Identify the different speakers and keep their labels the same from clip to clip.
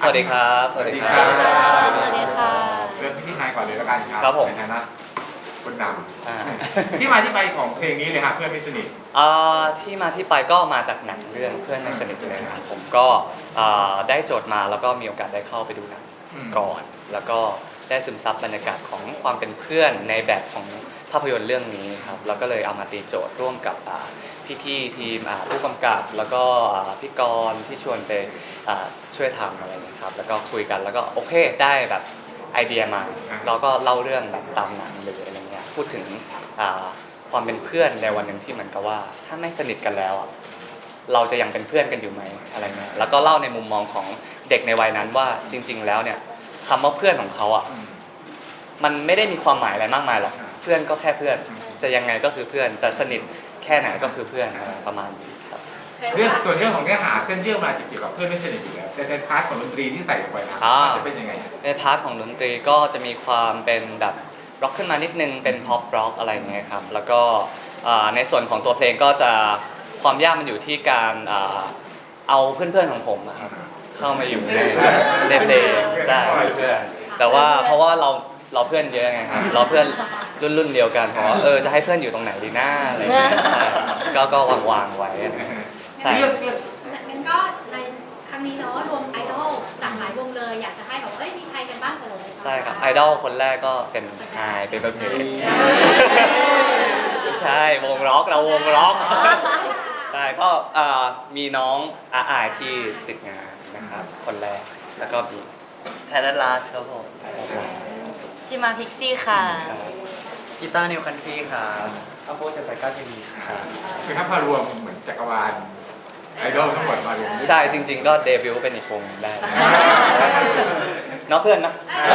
Speaker 1: วัสดีครับสวัสดีครับ
Speaker 2: สวัสดีค่ะ
Speaker 3: เริ่มที่ไฮก่อนเลยแล้วกันครับ
Speaker 1: ครับผม
Speaker 3: ในฐานะคนนำที่มาที่ไปของเพลงนี้เลยครับเพื่อนไม่สนิท
Speaker 1: ที่มาที่ไปก็มาจากหนังเรื่องเพื่อนในสนิทเลยนะครับผมก็ได้โจทย์มาแล้วก็มีโอกาสได้เข้าไปดูหนังก่อน แล้วก็ได้ซึมซับบรรยากาศของความเป็นเพื่อนในแบบของภาพยนตร์เรื่องนี้ครับแล้วก็เลยเอามาตีโจทย์ร่วมกับพี่ๆทีมผู้กำกับแล้วก็พี่กรณ์ที่ชวนไปช่วยทำอะไรนะครับแล้วก็คุยกันแล้วก็โอเคได้แบบไอเดียมาเราก็เล่าเรื่องแบบตามหนังเลยอะไรเงี้ยพูดถึงความเป็นเพื่อนในวันหนึ่งที่เหมือนกับว่าถ้าไม่สนิทกันแล้วเราจะยังเป็นเพื่อนกันอยู่ไหมอะไรเงี้ยแล้วก็เล่าในมุมมองของเด็กในวัยนั้นว่าจริงๆแล้วเนี่ยคำว่าเพื่อนของเขามันไม่ได้มีความหมายอะไรมากมายหรอกเพื่อนก็แค่เพื่อนจะยังไงก็คือเพื่อนจะสนิทแค่ไหนก็คือเพื่อนประมาณนี้ครับ
Speaker 3: ส่วนเรื่องของเนื้อหาเส้นเรื่องมาจะเกี่ยวกับเพื่อนไม่สนิทอยู่แล้วแต่ในพาร์ทของดนตรีที่ใส่ลงไปนะมันจะเป็นยังไง
Speaker 1: ในพาร์ทของดนตรีก็จะมีความเป็นแบบร็อกขึ้นมานิดนึงเป็นพ็อปร็อกอะไรเงี้ยครับแล้วก็ในส่วนของตัวเพลงก็จะความยากมันอยู่ที่การเอาเพื่อนๆของผมครับเข้ามาอยู่ในเพลงใช่เพื่อนแต่ว่าเพราะว่าเราเพื่อนเยอะไงครับเราเพื่อนรุ่นเดียวกันเพราะจะให้เพื่อนอยู่ตรงไหนดีหน้าอะไรเงี้ยก็วางไว้ใช่
Speaker 2: งั้นก็ในครั้งนี้เนาะรวมไอดอลจากหลายวงเลยอยากจะให้แบบมีใครกันบ้าง
Speaker 1: ใช่ครับไอดอลคนแรกก็เป็นไฮเป็นประเพณใช่วงร็อกเราวงร็อกใช่ก็มีน้องอาที่ติดงานนะครับคนแรกแล้วก็มีแพทลาสครับผม
Speaker 2: พี่มาพิกซี่ค่ะ
Speaker 1: กีตาร์นิวคันทรีครับอัพโพจะไปก้าทีวีครับ
Speaker 3: คือถ้าพารวมเหมือนจักรวาลไอดอลทั้งหมดมารวม
Speaker 1: ใช่จริงๆก็เดบิวต์เป็นอีกวงได้เนาะเพื่อนนะ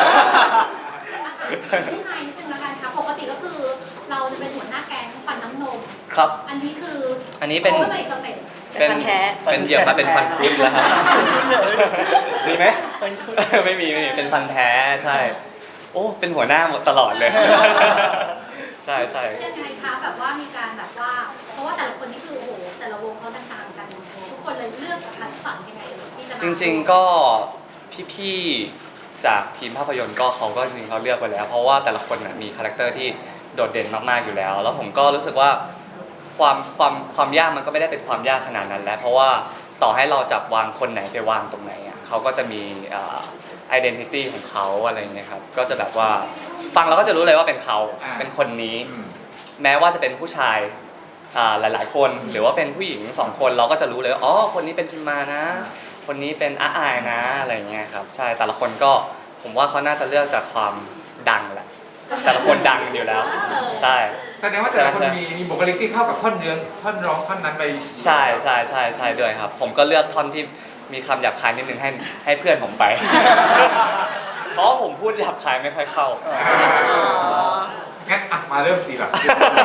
Speaker 2: พี่ไฮนิดนึงละกันค่ะปกติก็คือเราจะเป็นหัวหน้าแก๊งฟันน้ำนม
Speaker 1: ครับ
Speaker 2: อันนี้คือ
Speaker 1: อันนี้เป็น
Speaker 2: เป็นฟันแท้
Speaker 1: เป็นเหยียบมาเป็นฟันคุดแล้วครับมีไหมไม่มีเป็นฟันแท้ใช่โอ้เป็นหัวหน้าหมดตลอดเลยใช่
Speaker 2: ยังไงคะแบบว่ามีการแบบว่าเพราะว่าแต่ละคนนี่คือโอ้โหแต่ละวงเขาต่างกันทุกคนเลยเลือกคัดสรรยังไงที่จะ
Speaker 1: จริงๆก็พี่ๆจากทีมภาพยนตร์ก็เขาก็จริงๆเขาเลือกไปแล้วเพราะว่าแต่ละคนมีคาแรคเตอร์ที่โดดเด่นมากๆอยู่แล้วแล้วผมก็รู้สึกว่าความยากมันก็ไม่ได้เป็นความยากขนาดนั้นแล้วเพราะว่าต่อให้เราจับวางคนไหนไปวางตรงไหนเขาก็จะมีidentity ของเขาอะไรเงี้ยครับก็จะแบบว่าฟังเราก็จะรู้เลยว่าเป็นเขาเป็นคนนี้แม้ว่าจะเป็นผู้ชายหลายๆคนหรือว่าเป็นผู้หญิง2คนเราก็จะรู้เลยว่าอ๋อคนนี้เป็นพิมมานะคนนี้เป็นอายนะอะไรเงี้ยครับใช่แต่ละคนก็ผมว่าเขาน่าจะเลือกจากความดังแหละแต่ละคนดังอยู่แล้วใช่
Speaker 3: แสดงว่าแต่ละคนมีบุคลิกที่เข้ากับท่อนเนื้อท่อนร้องท่อนนั้นไป
Speaker 1: ใช่ด้วยครับผมก็เลือกท่อนที่มีคำหยาบคายนิดนึงให้เพื่อนผมไปเพราะผมพูดหยาบคายไม่ค่อยเข้า
Speaker 3: งั้นมาเริ่มสิแบบ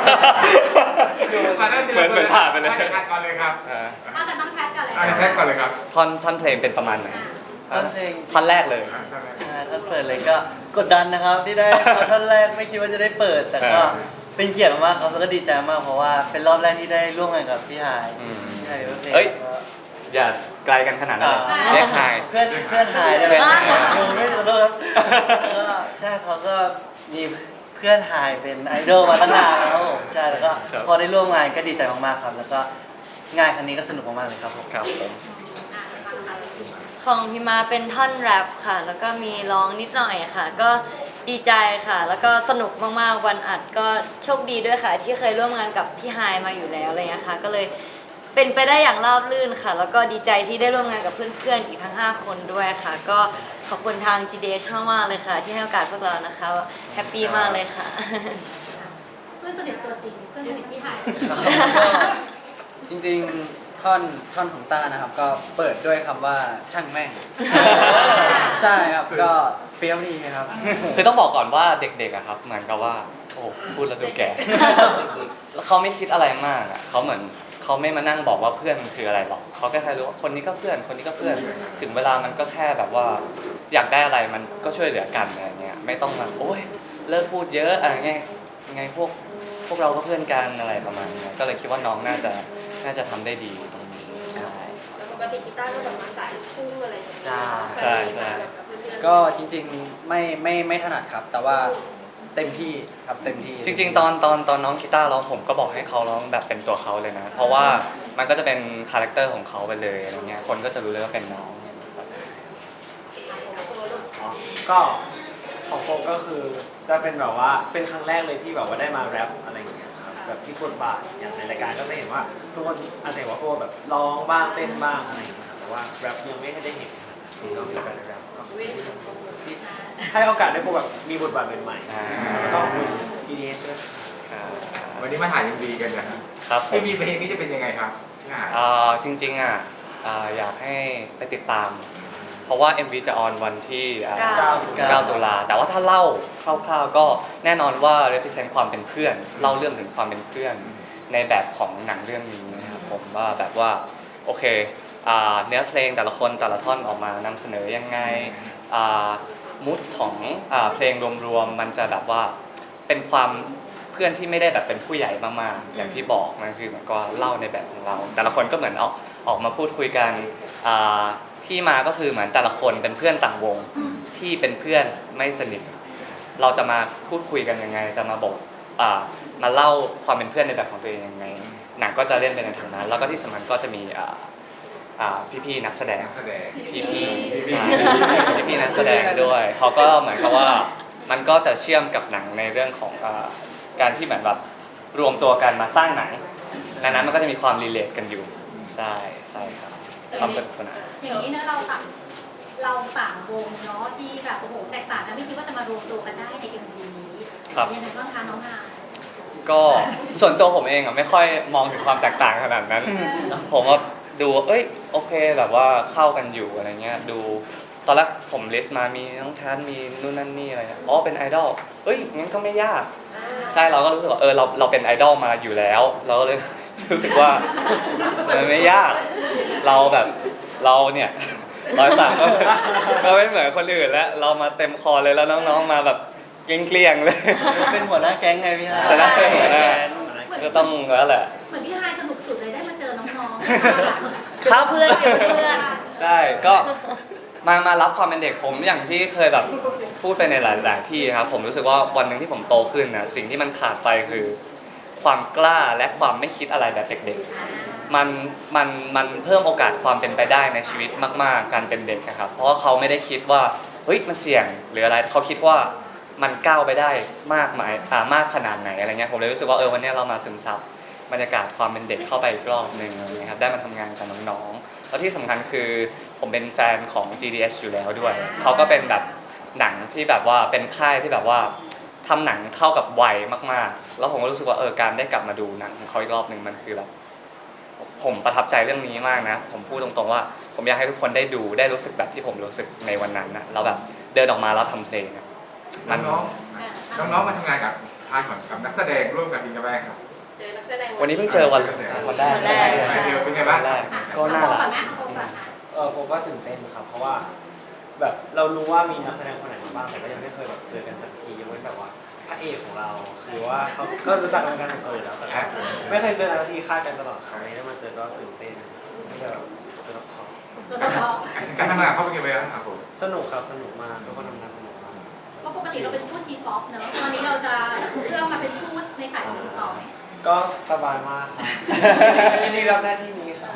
Speaker 3: มาเริ่ม
Speaker 1: เหมือนผ่านไปเลย
Speaker 3: อัดก่อนเลยครับ
Speaker 2: เอาจากน้องแพทก่อนเลย
Speaker 3: แพทก่อนเลยครับ
Speaker 1: ท่อนเพลงเป็นประมาณไหน
Speaker 4: ท่อนเพลง
Speaker 1: ท่อนแรกเลย
Speaker 4: ท่อนเปิดเลยก็กดดันนะครับที่ได้ท่อนแรกไม่คิดว่าจะได้เปิดแต่ก็เป็นเกียรติมากครับแล้วก็ดีใจมากเพราะว่าเป็นรอบแรกที่ได้ร่วมงานกับพี่ไฮ
Speaker 1: เฮ้ยอย่าไกลกันขนาดนั้นเรียกไฮ
Speaker 4: เพื่อนไฮได้ไหมไม่ขอโทษก็ใช่เขาก็มีเพื่อนไฮเป็นไอดอลมาตั้งนานแล้วใช่แล้วก็พอได้ร่วมงานก็ดีใจมากๆครับแล้วก็งานครั้งนี้ก็สนุกมากๆเลยครับผม
Speaker 5: ของพี่มาเป็นท่อนแรปค่ะแล้วก็มีร้องนิดหน่อยค่ะก็ดีใจค่ะแล้วก็สนุกมากๆวันอัดก็โชคดีด้วยค่ะที่เคยร่วมงานกับพี่ไฮมาอยู่แล้วอะไรเงี้ยค่ะก็เลยเป็นไปได้อย่างราบรื่นค่ะแล้วก็ดีใจที่ได้ร่วมงานกับเพื่อนๆอีกทั้ง5คนด้วยค่ะก็ขอบคุณทาง GDH มากๆเลยค่ะที่ให้โอกาสพวกเรานะคะแฮปปี้มากเลยค่ะ
Speaker 2: เพื่อนสนิทตัวจริงเพื่อนสนิทพี่ไฮ
Speaker 4: จริงๆท่อนของต้านะครับก็เปิดด้วยคำว่าช่างแม่งใช่ครับก็เปรี้ยวดีครับ
Speaker 1: คือต้องบอกก่อนว่าเด็กๆครับเหมือนกับว่าโอ้พูดแล้วดูแก่แล้วเขาไม่คิดอะไรมากเขาเหมือนเขาไม่มานั่งบอกว่าเพื่อนมันคืออะไรหรอกเขาแค่รู้ว่าคนนี้ก็เพื่อนคนนี้ก็เพื่อนถึงเวลามันก็แค่แบบว่าอยากได้อะไรมันก็ช่วยเหลือกันอะไรเงี้ยไม่ต้องมาโอ๊ยเลิกพูดเยอะอะไรเงี้ยยังไงพวกเราก็เพื่อนกันอะไรประมาณนี้ก็เลยคิดว่าน้องน่าจะทำได้ดีตรงนี้ใช่
Speaker 6: กติกีตาร์ก็แบบมาสายลูกทุ่งอะไรอย่างเงี้ย
Speaker 1: ใช่ใช่
Speaker 7: ก็จริงๆไม่ถนัดครับ แต่ว่าเต็มที่ครับเต็มที่
Speaker 1: จริงๆตอนน้องกีตาร์ร้องผมก็บอกให้เขาร้องแบบเป็นตัวเขาเลยนะ เพราะว่ามันก็จะเป็นคาแรคเตอร์ของเขาไปเลยอะไรเงี้ยคนก็จะรู้เลยว่าเป็นน้องเนี่ยครับ
Speaker 8: ก็ของโฟก็คือจะเป็นแบบว่าเป็นครั้งแรกเลยที่แบบว่าได้มาแรปอะไรอย่างเงี้ยครับแบบที่บทบาทอย่างในรายการก็จะเห็นว่าทุกคนอาจจะเห็นว่าโฟแบบร้องบ้างเต้นบ้างอะไรอย่างเงี้ยครับแต่ว่าแรปยังไม่ได้เห็นก็มีโอกาสได้แรปก็ที่ให้โอกาสได้โฟแบบมีบทบาทใหม่ๆแล้วก็มี GDS ด้วย
Speaker 3: วันนี้มาถ่าย MV กันนะครับ
Speaker 1: ผม
Speaker 3: ที่มีเพลงนี้จะเป็นยังไงครับที่ถ่าย
Speaker 1: จริงๆอยากให้ไปติดตาม เพราะว่า MV จะออนวันที่9 ตุลาแต่ว่าถ้าเล่าคร่าวๆก็แน่นอนว่า represent ความเป็นเพื่อนเล่าเรื่องถึงความเป็นเพื่อนในแบบของหนังเรื่องนี้นะครับผมว่าแบบว่าโอเคเนื้อเพลงแต่ละคนแต่ละท่อนออกมานำเสนอยังไงมูดของเพลงรวมๆมันจะแบบว่าเป็นความเพื่อนที่ไม่ได้แบบเป็นผู้ใหญ่มากๆอย่างที่บอกมันคือเหมือนก็เล่าในแบบของเรา แต่ละคนก็เหมือนออกมาพูดคุยกันที่มาก็คือเหมือนแต่ละคนเป็นเพื่อนต่างวงที่เป็นเพื่อนไม่สนิทเราจะมาพูดคุยกันยังไงจะมาบอกมาเล่าความเป็นเพื่อนในแบบของตัวเองยังไงหนังก็จะเล่นไปในทางนั้นแล้วก็ที่สำคัญก็จะมีพี่ๆนักแสดง
Speaker 3: นักแสดง
Speaker 1: พี่นักแสดงด้วยเขาก็เหมือนกับว่ามันก็จะเชื่อมกับหนังในเรื่องของการที่เหมือนแบบรวมตัวกันมาสร้างหนังดังนั้นมันก็จะมีความรีเลทกันอยู่ใช่ครับความสนุกสนาน
Speaker 2: อย่างนี้นะเราต่างวงเนาะที่แบบโอ้โหแตกต่างกันไม่คิดว่าจะมารวมตัวกันได้ใน MV นี้ยังไงบ้างคะน้องนาย
Speaker 1: ก็ส่วนตัวผมเองไม่ค่อยมองถึงความแตกต่างขนาดนั้น ผมว่าดูโอเคแบบว่าเข้ากันอยู่อะไรเงี้ยดูตอนแรกผมลิสต์มามีน้องทันมีนู่นนั่นนี่อะไรเป็นไอดอลงั้นก็ไม่ยากใช่เราก็รู้สึกว่าเราเป็นไอดอลมาอยู่แล้วเราก็เลย รู้สึกว่ามันไม่ยากเราเนี่ย103ก็ไม่เหมือนคนอื่นแล้วเรามาเต็มคอเลยแล้วน้องๆมาแบบเกลี้ยงๆเลย
Speaker 4: เป็นหัวหน้าแก๊งไงพี่ฮะ
Speaker 1: จะได้เป็นหัวหน้าก็ต้องแล้วแหละ
Speaker 2: เหมือนพี่ไฮายสนุกสุดเลยได้มาเจอน้องๆ
Speaker 1: ครับ
Speaker 5: เพื่อนเกี่ยวกับเพื่อน
Speaker 1: ใช่ก็มารับความเป็นเด็กผมอย่างที่เคยแบบพูดไปในหลายๆที่ครับผมรู้สึกว่าวันหนึ่งที่ผมโตขึ้นนะสิ่งที่มันขาดไปคือความกล้าและความไม่คิดอะไรแบบเด็กๆมันเพิ่มโอกาสความเป็นไปได้ในชีวิตมากๆการเป็นเด็กนะครับเพราะว่าเขาไม่ได้คิดว่ามันเสี่ยงหรืออะไรเขาคิดว่ามันก้าวไปได้มากขนาดไหนอะไรเงี้ยผมเลยรู้สึกว่าวันนี้เรามาซึมซับบรรยากาศความเป็นเด็กเข้าไปอีกรอบหนึ่งนะครับได้มาทำงานกับน้องๆแล้วที่สำคัญคือผมเป็นแฟนของ GDS อยู่แล้วด้วยเขาก็เป็นแบบหนังที่แบบว่าเป็นค่ายที่แบบว่าทำหนังเข้ากับวัยมากๆแล้วผมก็รู้สึกว่าการได้กลับมาดูหนังของเขาอีกรอบหนึ่งมันคือแบบผมประทับใจเรื่องนี้มากนะผมพูดตรงๆว่าผมอยากให้ทุกคนได้ดูได้รู้สึกแบบที่ผมรู้สึกในวันนั้นนะเราแบบเดินออกมาแล้วทำเพลง
Speaker 3: น้องๆมาทำงานกับทางกับนักแสดงร่วมกับทีมกระแบงครับ
Speaker 6: เจอนักแสดง
Speaker 1: วันนี้เพิ่งเจอวันแรก
Speaker 3: เป็นไงบ้าง
Speaker 1: ก็น่ารัก
Speaker 8: ผมก็ตื่นเต้นครับเพราะว่าแบบเรารู้ว่ามีนักแสดงคนไหนมาบ้างแต่ก็ยังไม่เคยแบบเจอกันสักทียกเว้นแบบว่าพระเอกของเราคือว่าเขาก็รู้จักกันของตัวอยู่แล้วแต่ไม่เคยเจอกันทีคาดกันตลอดครั้งนี้ได้มาเจอก็ตื่นเต้นที่จะแบบเจอกับเขา
Speaker 3: การทำงานเขาเป็นยังไงบ้างครับผม
Speaker 8: สนุกครับสนุกมากทุกคนทำงานสนุกมาก
Speaker 2: เพราะปกติเราเป็นทูตทีป๊อปเนอะตอนนี้เราจะเลือกมาเป็นทูตในสายอื่นต่อไหม
Speaker 8: ก็สบายมากครับยินดีรับหน้าที่นี้ครับ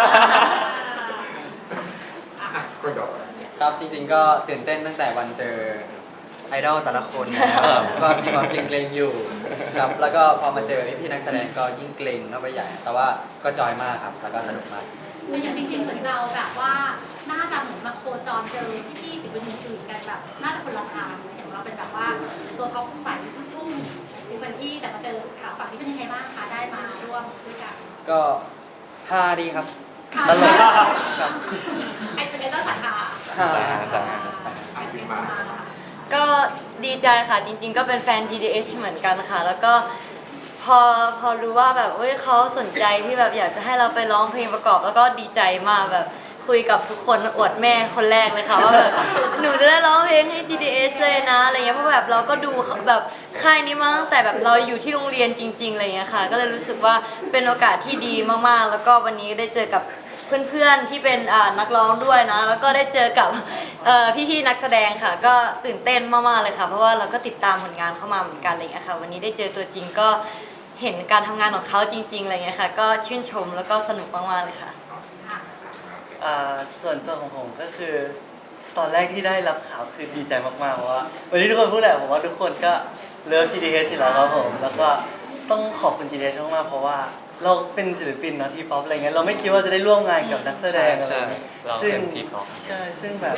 Speaker 3: คนต่อ
Speaker 7: ครับจริงๆก็ตื่นเต้นตั้งแต่วันเจอไอดอลแต่ละคนนะครับก็มีความเกรงๆอยู่ครับแล้วก็พอมาเจอพี่ๆนักแสดงก็ยิ่งเกรงเข้าไปใหญ่แต่ว่าก็จอยมากครับแล้วก็สนุกมาก
Speaker 2: แต่อย่างจริงๆเหมือนเราแบบว่าน่าจะเหมือนมาโคจรเจอพี่ๆศิลปินอื่นๆกันแบบน่าจะคนละทางอย่างเราเป็นแบบว่าตัวท็อปสายลูกทุ่งหรือเป็นที่แต่มาเจอข่าวฝั่งนี้เป็นยังไงบ้างคะได้มาร่วมด้วยกัน
Speaker 7: ก็ฮาดีครับ
Speaker 2: ค่ะ
Speaker 7: ตลกครับ
Speaker 2: ไอ้เป็นเจ้าสาขา
Speaker 7: ฮา
Speaker 5: ก็ดีใจค่ะจริงๆ ก็เป็นแฟน GDH เหมือนกันค่ะ แล้วก็พอรู้ว่าแบบเขาสนใจที่แบบอยากจะให้เราไปร้องเพลงประกอบ แล้วก็ดีใจมากแบบคุยกับทุกคนอวดแม่คนแรกเลยค่ะว่าแบบหนูจะได้ร้องเพลงให้ GDH เลยนะอะไรเงี้ยเพราะแบบเราก็ดูแบบค่ายนี้มาตั้งแต่แบบเราอยู่ที่โรงเรียนจริงๆอะไรเงี้ยค่ะก็เลยรู้สึกว่าเป็นโอกาสที่ดีมากๆ แล้วก็วันนี้ได้เจอกับเพื่อนๆที่เป็นนักร้องด้วยนะแล้วก็ได้เจอกับพี่ๆนักแสดงค่ะ ก็ตื่นเต้นมากๆเลยค่ะเพราะว่าเราก็ติดตามผลงานเข้ามาเหมือนกันอะไรเงี้ยค่ะวันนี้ได้เจอตัวจริงก็เห็นการทำงานของเขาจริงๆอะไรเงี้ยค่ะก็ชื่นชมแล้วก็สนุกมากๆเลยค่ะ
Speaker 4: ส่วนตัวของผมก็คือตอนแรกที่ได้รับข่าวคือดีใจมากๆเพราะว่าวันนี้ทุกคนพูดแหละผมว่าทุกคนก็เลิฟ GDH อยู่แล้วครับผมแล้วก็ต้องขอบคุณ GDH มากๆเพราะว่าเราเป็นศิลปินเนาะทีป๊อปอะไรเงี้ยเราไม่คิดว่าจะได้ร่วมงานกับนักแสดงอะไร
Speaker 1: ใช่
Speaker 4: เงี้ย
Speaker 1: เรา
Speaker 4: ซึ่ง
Speaker 1: เป็นทีป๊อป
Speaker 4: ใช่ซึ่งแบบ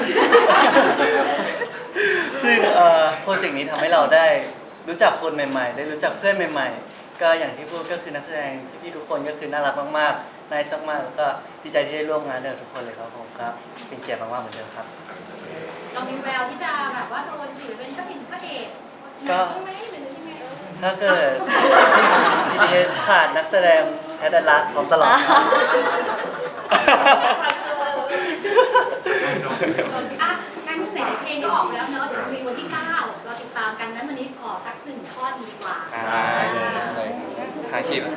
Speaker 4: ซึ่งโปรเจกต์นี้ทำให้เราได้รู้จักคนใหม่ๆ ได้รู้จักเพื่อนใหม่ๆ ก็อย่างที่พูดก็คือนักแสดงพี่ๆทุกคนก็คือน่ารักมากๆน่ารักมากๆแล้วก็ดีใจที่ได้ร่วมงานด้วยกับทุกคนเลยครับผมครับเป็นเกียรติมากๆเหมือนเดิมครับ
Speaker 2: เรามีแววที่จะแบบว่าโดนถือเป็นพระเอกพระเอก
Speaker 4: ก็
Speaker 2: ใช่ไหมหรือยังไง
Speaker 4: ถ้าเกิด BTS ขาดนักแสดงแพทย์ลาสพร้อมตลอดครับ
Speaker 2: อ่ะงั้นไหนๆเพลงก็ออกไปแล้วเนอะเดี๋ยวมีวันที่ 9 เราติดตามกันนั้นวันนี้ขอสัก1 ท่อนดีกว่า
Speaker 1: หาคีย์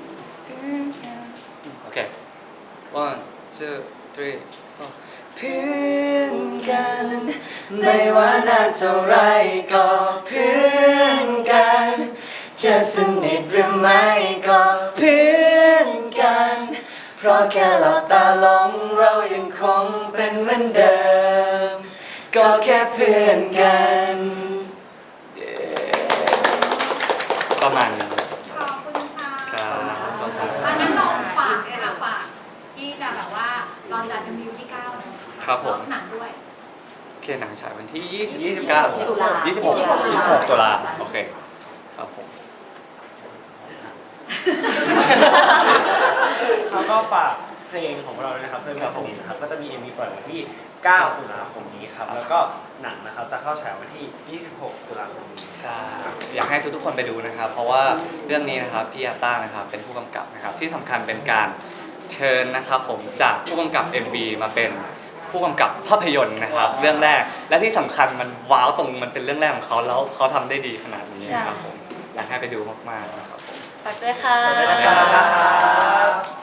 Speaker 1: โอเค one two three four
Speaker 4: เพื่อนกันไม่ว่านานเท่าไรก็เพื่อนกันจะสนิทหรือไม่ก็เพื่อนกันเพราะแค่หลับตาลงเรายังคงเป็นเหมือนเดิมก็แค่เพื่อนกัน
Speaker 1: ประมาณนี้
Speaker 2: ขอบคุณค่ะ
Speaker 1: ครับขอบคุณ
Speaker 2: อ่ะงั้นลองฝากเลยค่ะฝากที่จะแบบว่าลอนดันมิวที่ 9 นะครับ
Speaker 1: ผม
Speaker 2: หนังด้วย
Speaker 1: โอเคหนังฉายวันที่ 26 ตุลาโอเคครับผม
Speaker 8: แล้วก็ฝากเพลงของเราด้วยนะครับเพื่อนไม่สนิทนะครับก็จะมี MV ปล่อยวันที่ 9 ตุลาคมนี้ครับแล้วก็หนังนะครับจะเข้าฉายวันที่ 26 ตุลาคมนี้
Speaker 1: ใช่อยากให้ทุกๆคนไปดูนะครับ เพราะว่าเรื่องนี้นะครับพี่อาต้านะครับเป็นผู้กำกับนะครับที่สำคัญเป็นการเชิญนะครับผมจากผู้กำกับ MV มาเป็นผู้กำกับภาพยนตร์นะครับเรื่องแรกและที่สำคัญมันว้าวตรงมันเป็นเรื่องแรกของเขาแล้วเขาทำได้ดีขนาดนี้นะครับผมอยากให้ไปดูมากๆนะครับผม
Speaker 5: ฝากด้วยค่ะ
Speaker 1: ขอบคุณครับ